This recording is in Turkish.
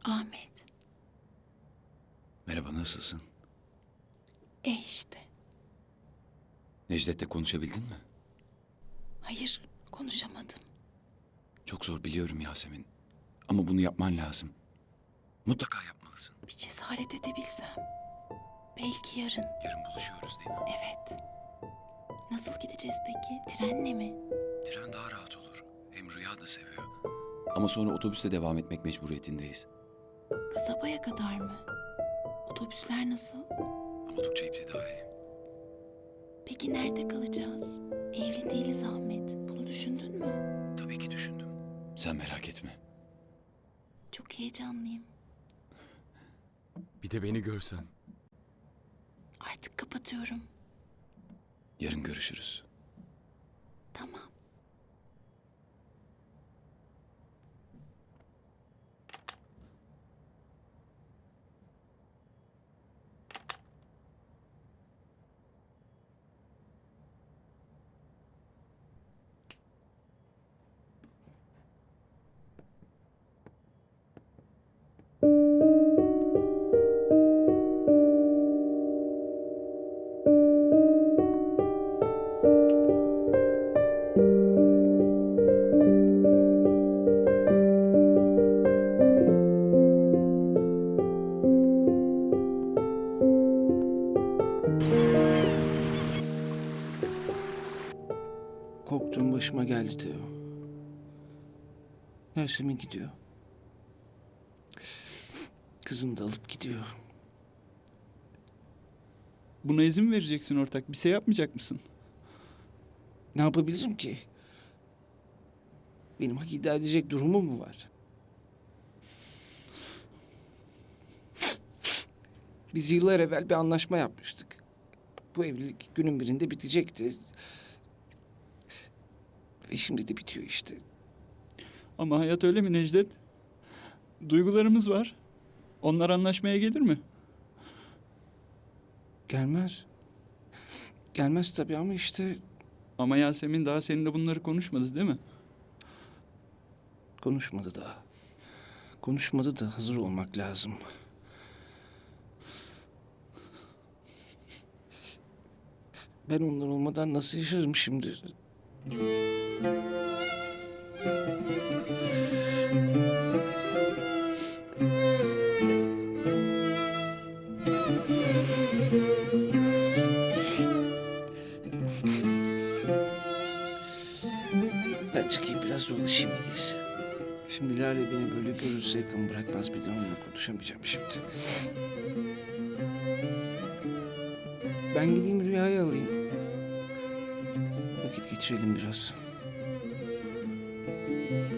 Ahmet. Merhaba, nasılsın? İşte. Necdet'le konuşabildin mi? Hayır, konuşamadım. Çok zor biliyorum Yasemin. Ama bunu yapman lazım. Mutlaka yapmalısın. Bir cesaret edebilsem. Belki yarın. Yarın buluşuyoruz değil mi? Evet. Nasıl gideceğiz peki? Trenle mi? Tren daha rahat olur. Hem Rüya da seviyor. Ama sonra otobüste devam etmek mecburiyetindeyiz. Kasabaya kadar mı? Otobüsler nasıl? Oldukça iptidai. Peki nerede kalacağız? Evli değiliz Ahmet. Bunu düşündün mü? Tabii ki düşündüm. Sen merak etme. Çok heyecanlıyım. Bir de beni görsen. Artık kapatıyorum. Yarın görüşürüz. Tamam. Korktuğum başıma geldi Teo. Yasemin gidiyor. Kızım da alıp gidiyor. Buna izin mi vereceksin ortak? Bir şey yapmayacak mısın? Ne yapabilirim ki? Benim hak iddia edecek durumum mu var? Biz yıllar evvel bir anlaşma yapmıştık. Bu evlilik günün birinde bitecekti. Ve şimdi de bitiyor işte. Ama hayat öyle mi Necdet? Duygularımız var. Onlar anlaşmaya gelir mi? Gelmez. Gelmez tabii ama işte Ama Yasemin daha seninle bunları konuşmadı değil mi? konuşmadı daha. Konuşmadı da hazır olmak lazım. Ben onlar olmadan nasıl yaşarım şimdi? Ben çıkayım biraz dolaşayım en iyisi. Şimdi Lale beni böyle görürse yakın bırakmaz, bir de onunla konuşamayacağım şimdi. Ben gideyim Rüya'yı alayım. Vakit geçirelim biraz.